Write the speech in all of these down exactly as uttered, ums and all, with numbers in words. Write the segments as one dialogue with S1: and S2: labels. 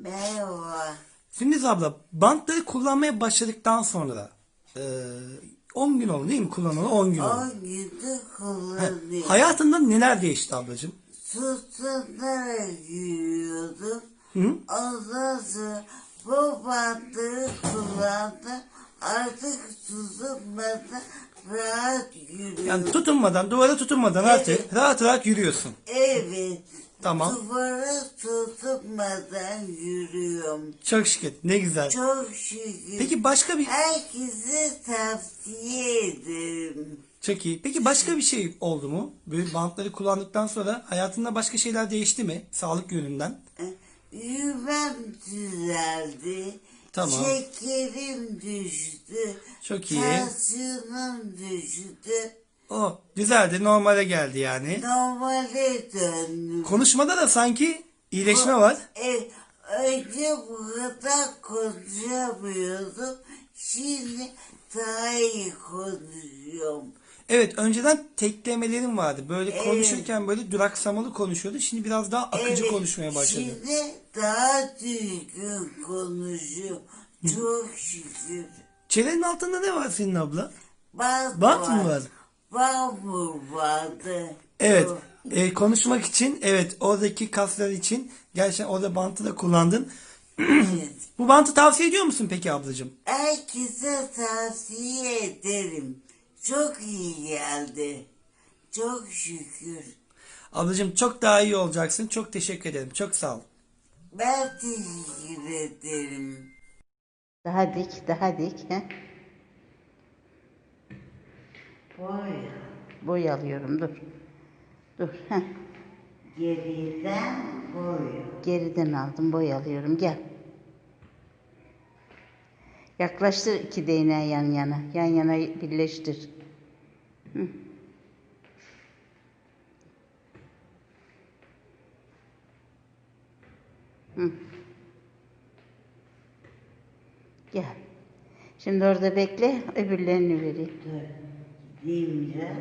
S1: Merhaba.
S2: Sündüz abla, bantları kullanmaya başladıktan sonra e, on gün oldu değil mi kullanalı? on gün oldu.
S1: On gündür
S2: He,
S1: kullanıyorum.
S2: hayatında neler değişti ablacığım?
S1: Tutunarak yürüyordum.
S2: Hı?
S1: Ondan sonra bu bantları kullandım. Artık tutunmadan rahat yürüyorum.
S2: Yani tutunmadan, duvara tutunmadan
S1: Evet.
S2: artık rahat rahat yürüyorsun.
S1: Evet.
S2: Tamam.
S1: Duvara tutunmadan yürüyorum.
S2: Çok şükür. Ne güzel.
S1: Çok şükür.
S2: Peki başka bir...
S1: Herkese tavsiye ederim.
S2: Çok iyi. Peki başka bir şey oldu mu? Böyle bantları kullandıktan sonra hayatında başka şeyler değişti mi? Sağlık yönünden.
S1: Yürümem düzeldi.
S2: Tamam.
S1: Şekerim düştü.
S2: Çok iyi.
S1: Tansiyonum düştü.
S2: O düzeldi, normale geldi yani.
S1: Normale döndüm.
S2: Konuşmada da sanki iyileşme var.
S1: E, önce bu kadar konuşamıyordum. Şimdi daha iyi konuşuyorum.
S2: Evet, önceden teklemelerin vardı. Böyle
S1: Evet.
S2: konuşurken böyle duraksamalı konuşuyordu. Şimdi biraz daha akıcı
S1: Evet,
S2: konuşmaya başladı.
S1: şimdi daha düzgün konuşuyorum. Çok şükür.
S2: Çenenin altında ne var senin abla?
S1: Bant,
S2: Bant mı var?
S1: Bant mı vardı?
S2: Evet.
S1: O-
S2: E, konuşmak için, evet, oradaki kaslar için gerçekten orada bantı da kullandın.
S1: Evet.
S2: Bu bantı tavsiye ediyor musun peki ablacığım?
S1: Herkese tavsiye ederim. Çok iyi geldi. Çok şükür.
S2: Ablacığım çok daha iyi olacaksın. Çok teşekkür ederim. Çok sağ ol.
S1: Ben teşekkür ederim.
S3: Daha dik, daha dik. He?
S1: Boy.
S3: Boy alıyorum, dur. Dur. Heh.
S1: Geriden boy.
S3: Geriden aldım, boy alıyorum. Gel. Yaklaştır iki değneği yan yana. Yan yana birleştir. Hı. Hı. Gel. Şimdi orada bekle, öbürlerini vereyim.
S1: Dur. Gideyim biraz.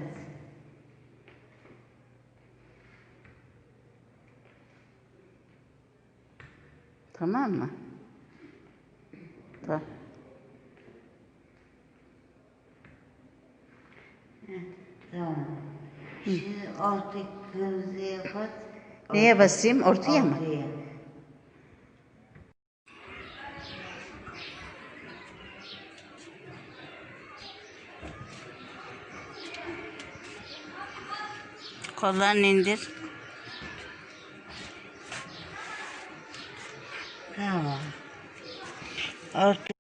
S3: Tamam mı? Tamam.
S1: Tamam. Şimdi ortaya kırmızıya bas.
S3: Neye basayım? Ortaya mı?
S1: Ortaya.
S3: Kollarını indir.
S1: Tamam. Ortaya.